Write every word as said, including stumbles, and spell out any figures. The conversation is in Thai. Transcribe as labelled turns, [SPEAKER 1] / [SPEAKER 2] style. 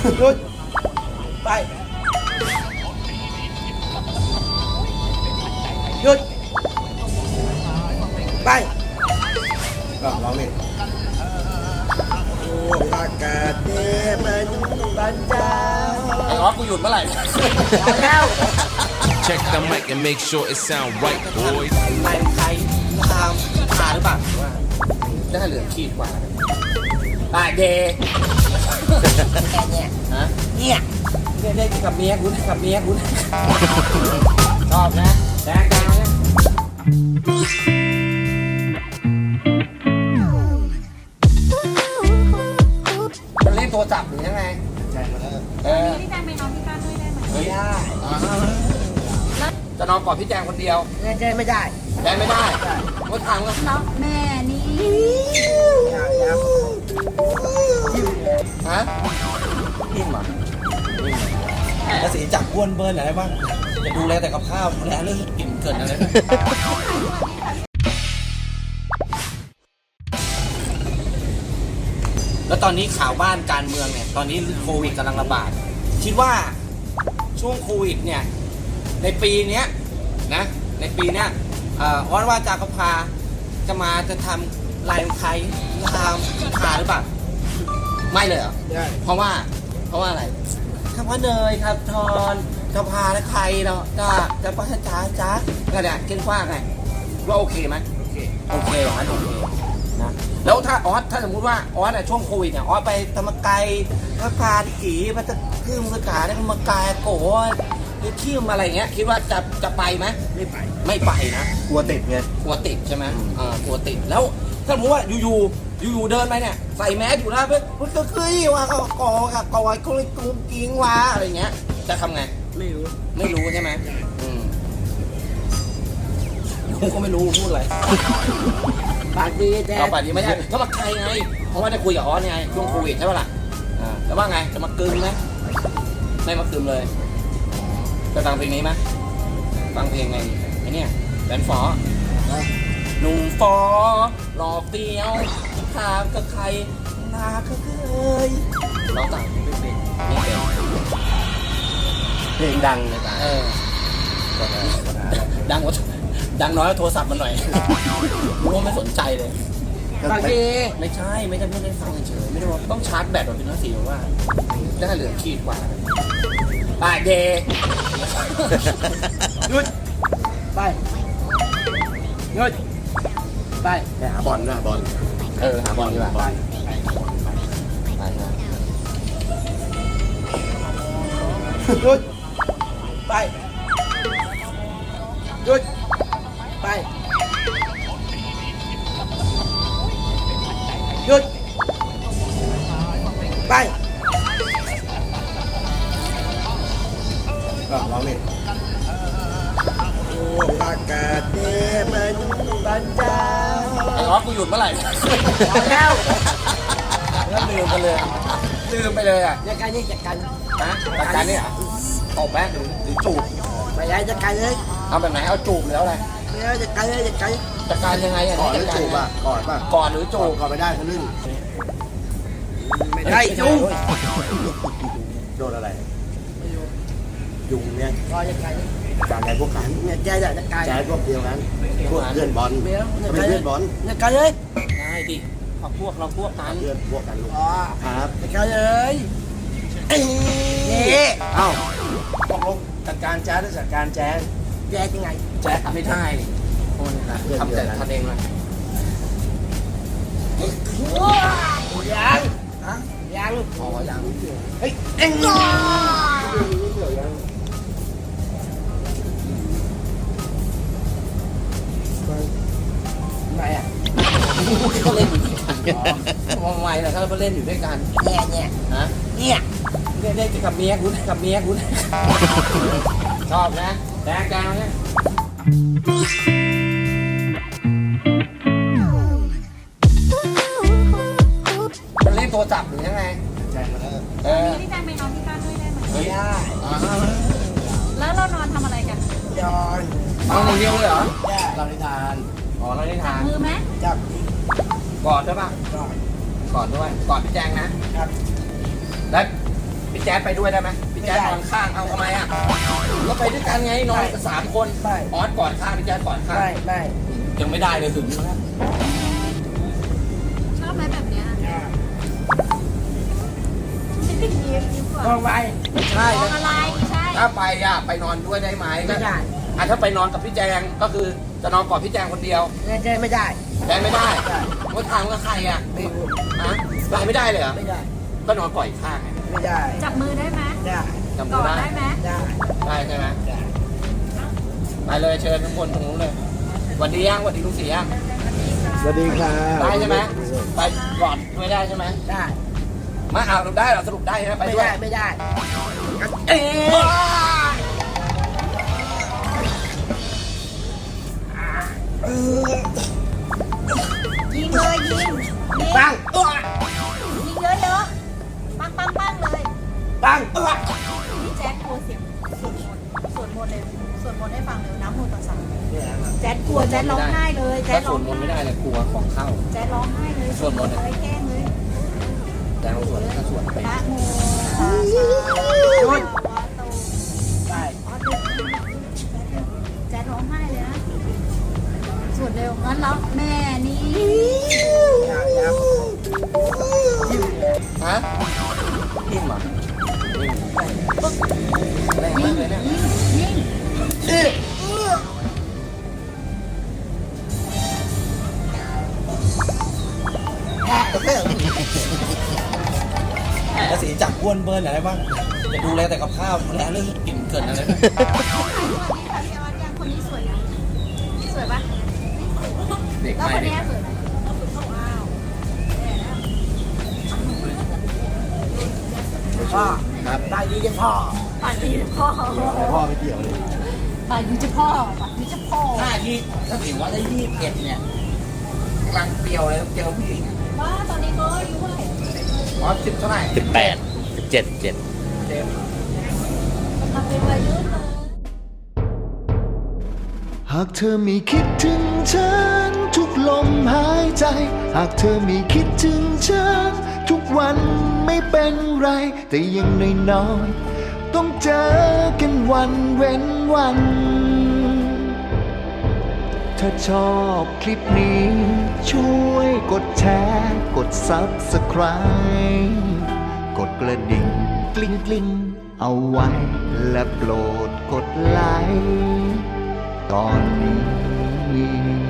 [SPEAKER 1] หยุดไปหยุดไปก็ร้องนี่โอ้อากาศเย็นมันบันเจ้า
[SPEAKER 2] ไอ้ออสกูหยุดเมื่อไหร่
[SPEAKER 1] แล้ว
[SPEAKER 3] Check the mic and make sure it sound right, boys.
[SPEAKER 2] นายใครตามพาหรือเปล่าว่าจะให้เหลือขีดกว่าตายเดย์เนี่ย ฮะ
[SPEAKER 1] เนี่ย
[SPEAKER 2] เนี่ยได้กับเมียกูกับเมียกูชอบนะแดงดาวนะมันเล่นโทรศัพท์หรือยังไงใช่มาแล้วเออ
[SPEAKER 4] พี่แจงไปนอนที่บ้านด้วยได้ไหม
[SPEAKER 2] เฮ้ยจะนอนกอดพี่แจงคนเดียว
[SPEAKER 1] ไม่ได้ไม่ได้
[SPEAKER 2] แจงไม่ได้ว่าทางก็
[SPEAKER 4] แล้วแม่นี่
[SPEAKER 1] อย่าอย่า
[SPEAKER 2] ฮะนิ่มอ่ะ
[SPEAKER 1] ภาษีจับบ้วนเบิร์นอะไรบ้างจะดูแลแต่กับข้าวดูแลเรื่อง
[SPEAKER 2] กลิ่นเกินอะไรแล้วตอนนี้ข่าวบ้านการเมืองเนี่ยตอนนี้โควิดกำลังระบาดคิดว่าช่วงโควิดเนี่ยในปีเนี้ยนะในปีเนี้ยเอ่อวัดว่าจากพาจะมาจะทำลายไทยทำพาหรือเปล่าไม่เลยเหรอ
[SPEAKER 1] ได้
[SPEAKER 2] เพราะว่าเพราะว่าอะไรคำว่าเนยครับทอนจะพาและใครเนาะจะจะป้าจ้าจ้าก็เนี่ยเก่งกว้างไงว่าโอเคไหมโอเคโอเคอย่างนั้นโอเคนะแล้วถ้าออสถ้าสมมุติว่าออสอะช่วงโควิดเนี่ยออสไปธรรมกายพระพาที่กี่พระตะขึ้นสขาได้ธรรมกายโกที่ขี้มอะไรเงี้ยคิดว่าจะจะไปไหม
[SPEAKER 1] ไม่ไป
[SPEAKER 2] ไม่ไปนะ
[SPEAKER 1] กลัวติดไง
[SPEAKER 2] กลัวติดใช่ไหมอ่ากลัวติดแล้วถ้าสมมติว่าอยู่ๆอยู่ๆเดินไปเนี่ยใส่แมสอยู่นะเพื่อนมันก็คือว่าเขากอกับกอยกุ้งกุ้งกิ้งวาอะไรเงี้ยจะทำไง
[SPEAKER 1] ไม่รู้
[SPEAKER 2] ไม่รู้ใช่ไหมอืมกูก็ไม่รู้พูดอะไร
[SPEAKER 1] ปากดีแต่
[SPEAKER 2] เอาป่านนี้ไม่ใช่ก็มาใครไงเพราะว่าได้คุยกับออสไงช่วงโควิดใช่ปะล่ะอ่าแล้วว่าไงจะมากึมไหมไม่มากึมเลยจะฟังเพลงนี้ไหมฟังเพลงไงไอ้เนี่ยแบนฟอหนุ่มฟอหล่อเฟี้ยวถามกับใครนาก็เคยร้องต่างไม่เป็นไม่เป็นเพลงดังเลยป่ะเออดังกว่าดังน้อยกว่าโทรศัพท์มันหน่อยรู้ว่าไม่สนใจเลย
[SPEAKER 1] ปากดี
[SPEAKER 2] ไม่ใช่ไม่ได้ไม่ได้ฟังเฉยไม่ได้ว่าต้องชาร์จแบตแบบเป็นน้าสีว่าจะให้เหลือขีดกว่าตายเดย์
[SPEAKER 1] หยุดไปหยุดไปไปหาบอลนะบอล
[SPEAKER 2] เออหาบอลดีกว่า
[SPEAKER 1] ไป
[SPEAKER 2] ไปนะ
[SPEAKER 1] หยุดไปหยุดไปหยุดไปก็ร้องนี่โอ้อากาศเย็นมันบันเจ้า
[SPEAKER 2] ไอ้ออสกูหยุดเมื่อไหร่
[SPEAKER 1] แล้ว
[SPEAKER 2] แล้วลืมไปเลยลืมไปเลยอ่ะ
[SPEAKER 1] จัดการนี่จัดการ
[SPEAKER 2] นะจัดการเนี่ยตบแม่หรือหรือจูบ
[SPEAKER 1] ไปย้ายจัดการเลย
[SPEAKER 2] เอาแบบไหนเอาจูบหรืออะไร
[SPEAKER 1] ไปย้ายจัดการเลยจัดการ
[SPEAKER 2] จัดการยังไงอ่ะ
[SPEAKER 1] ก่อนหรือ
[SPEAKER 2] จัดการ
[SPEAKER 1] จูบอ่ะก่อนป่ะ
[SPEAKER 2] ก่อนหรือจูบ
[SPEAKER 1] ก่อนไม่ได้ทะลึ่งไม่ได้ยุงโดนอะไรยุงเนี่ยก็จัดการการอะไรพวกกันเนี่ยแจ๊จัดการแจ๊พวกเดียวกันพวกเพื่อนบอลไม่เพื่อนบอลจัดการเลย
[SPEAKER 2] ได้ดิเอาพวกเราพวกกัน
[SPEAKER 1] เพื่อนพวกกันลูก
[SPEAKER 2] อ๋อ
[SPEAKER 1] ครับจัดการเลยนี่เอ้าตกลงจัดการแจ๊หรือจัดการแจ๊แจ๊ยังไง
[SPEAKER 2] แจ็คไม่ได้คนนะทำแต่ทำเองเลย
[SPEAKER 1] ยังฮะยัง
[SPEAKER 2] อ๋อยัง
[SPEAKER 1] เฮ้ยเอ็งทำไมอ่ะ
[SPEAKER 2] เขาเล่นอยู่ด้วยกันทำไมล่ะถ้าเราเล่นอยู่ด้วยกัน
[SPEAKER 1] เนี่ยเนี่ย
[SPEAKER 2] ฮะ
[SPEAKER 1] เนี่ย
[SPEAKER 2] เนี่ยได้กับเมียกูกับเมียกูชอบนะแดงดาวเนี่ยมันเล่นโทรศัพท์หรือยังไง
[SPEAKER 1] ใช่มาแล้ว
[SPEAKER 2] เออ
[SPEAKER 4] พี่แจงไปนอนที่บ้านด้วยได้ไหม
[SPEAKER 2] เฮ้ย
[SPEAKER 1] ได้
[SPEAKER 2] อ่า
[SPEAKER 4] แล้วเรานอนทำอะไรกัน
[SPEAKER 1] ยอน
[SPEAKER 2] เอาหนึ่งเดียวเลยเหรอ
[SPEAKER 1] เราได้ทาน
[SPEAKER 2] อ๋อเราได้
[SPEAKER 4] จั
[SPEAKER 2] ทา
[SPEAKER 4] บ
[SPEAKER 2] น
[SPEAKER 4] มือไหม
[SPEAKER 1] จับ
[SPEAKER 2] กอดใช่ปะ
[SPEAKER 1] ก่อน
[SPEAKER 2] กอดด้วยกอดพี่แจงนะครับ แล้วพี่แจ๊ดไปด้วยได้ไหมพี่แจ๊ดนอนข้างเอาทำไมอ่ะก็ไปด้วยกันไงนอนกันสามคนออสก่อนข้างพี่แจ๊ดก่อนข้าง
[SPEAKER 1] ไม่ไม่
[SPEAKER 2] ยังไม่ได้เลยถึงแล้ว
[SPEAKER 4] ชอบไหมแบบเนี้ยยิ้มยิ้มก่อน
[SPEAKER 1] มองไป
[SPEAKER 2] ไม่ใช่
[SPEAKER 4] มองอะไรใช่
[SPEAKER 2] ถ้าไปอ่ะไปนอนด้วยได้ไหม
[SPEAKER 1] ไม่ได้
[SPEAKER 2] อ่ะถ้าไปนอนกับพี่แจงก็คือจะนอนก่อนพี่แจงคนเดียว
[SPEAKER 1] ไม่ได้ไม่ได้
[SPEAKER 2] แจงไม่ได้
[SPEAKER 1] ไม่ได้
[SPEAKER 2] ว่าทางกับใครอ่ะ
[SPEAKER 1] ไม่รู้
[SPEAKER 2] ฮะไปไม่ได้เลยเหรอ
[SPEAKER 1] ไม่ได้
[SPEAKER 2] ก็นอนก่อนอีกข้างไง
[SPEAKER 1] ไม่ได้
[SPEAKER 4] จับมือได้ไหม
[SPEAKER 1] ได้
[SPEAKER 2] จำ
[SPEAKER 4] กอด
[SPEAKER 2] ได้
[SPEAKER 4] ได้ไหม
[SPEAKER 1] ได้
[SPEAKER 2] ได้ใช่ไหม
[SPEAKER 1] ได้
[SPEAKER 2] ไปเลยเชิญทุกคนตรงนู้นเลยหวันดียังหวันดีลุงศรียัง
[SPEAKER 1] สวัสดีครับ
[SPEAKER 2] ได้ใช่ไหมไปก่อนไม่ได้ใช่ไหม
[SPEAKER 1] ได้
[SPEAKER 2] มาเอาเราได้เราสรุปได้ใช่ไหมไป
[SPEAKER 1] ไม่
[SPEAKER 2] ด้วย
[SPEAKER 1] ได้ไม่ได้
[SPEAKER 2] เอ๊ะ
[SPEAKER 4] ยิงเลยยิงยิง
[SPEAKER 1] ปัง
[SPEAKER 4] ยิงเยอะๆปังปังปังเลย
[SPEAKER 1] ปัง
[SPEAKER 4] พี่แจ๊ดกลัวเสียงสวดมนต์สวดมนต์เลยสวดมนต์ให้ฟังเลยน้ำมูตัสสะ
[SPEAKER 1] เนี่ยครับ
[SPEAKER 4] แจ๊ดกลัวแจ๊ดร้องไห้เลยแจ๊
[SPEAKER 2] ถ้า
[SPEAKER 4] ด
[SPEAKER 2] ส
[SPEAKER 4] ร้อ
[SPEAKER 2] วด
[SPEAKER 4] ง
[SPEAKER 2] มนต์ไม่
[SPEAKER 4] ไห้
[SPEAKER 2] ได้เลยกลัวของเข้า
[SPEAKER 4] แจ๊ดร้องไห้เลย
[SPEAKER 2] สวดมนต์
[SPEAKER 4] เลยแกล้งเลย
[SPEAKER 2] แจงเราสวดถ้าสวดไป
[SPEAKER 4] นะโมตัสสะ
[SPEAKER 1] หยุด
[SPEAKER 4] ภะคะวะโต
[SPEAKER 1] ได้
[SPEAKER 4] อ๋อเดี๋ยวแจ๊ดร้องไห้เลยนะสวดเร็วงั้นแล้วแม่นี่
[SPEAKER 1] อยากอยากยิ้มเนี่ย
[SPEAKER 2] ฮะนิ่มเหรอนิ่มแรงมากเลยเนี่ย
[SPEAKER 4] ยิง
[SPEAKER 1] เอ๊ะแล้วสีจับอ้วนเบิร์นอะไรบ้าง
[SPEAKER 2] จะดูแลแต่กับข้าวดูแลเรื่องกลิ่นเกินอะไรนะ
[SPEAKER 4] สวัสดีค่ะพี่ออสยังคนนี้สวยยังสวยปะ
[SPEAKER 2] เด็ก
[SPEAKER 4] แล้ว
[SPEAKER 2] ใหม่
[SPEAKER 4] คน
[SPEAKER 2] เด็ก
[SPEAKER 4] นี้สวยไหมว้าวแย่แล้ว
[SPEAKER 1] พ่อครับได้ดีจังพ่อ
[SPEAKER 4] ป่านนี้จะพ่อ
[SPEAKER 1] พ่อไม่เกี่ยวเลย
[SPEAKER 4] ป่านนี้จะพ่อป่านนี้จะพ่อ
[SPEAKER 2] ถ้ายี่ถ้าถือว่าได้ยี่สิบเอ็ดเนี่ยกำลังเปรี้ยวเลยต้องเจอผู้หญิง
[SPEAKER 4] ว่าตอนนี้เขาอายุเท่าไหร่
[SPEAKER 2] อ๋อสิบเท่าไหร่
[SPEAKER 3] สิบแปดสิบเจ็ดเจ็ด
[SPEAKER 2] เต็ม
[SPEAKER 4] กำลังเป็นวัยรุ่นเลย
[SPEAKER 5] หากเธอไม่คิดถึงฉันทุกลมหายใจ หากเธอไม่คิดถึงฉันทุกวันไม่เป็นไร แต่อยังน้อยๆต้องเจอกันวันเว้นวัน ถ้าชอบคลิปนี้ช่วยกดแชร์กด ซับสไครบ์ กดกระดิ่งกลิ้งกลิ้งเอาไว้ และโปรดกดไลค์ตอนนี้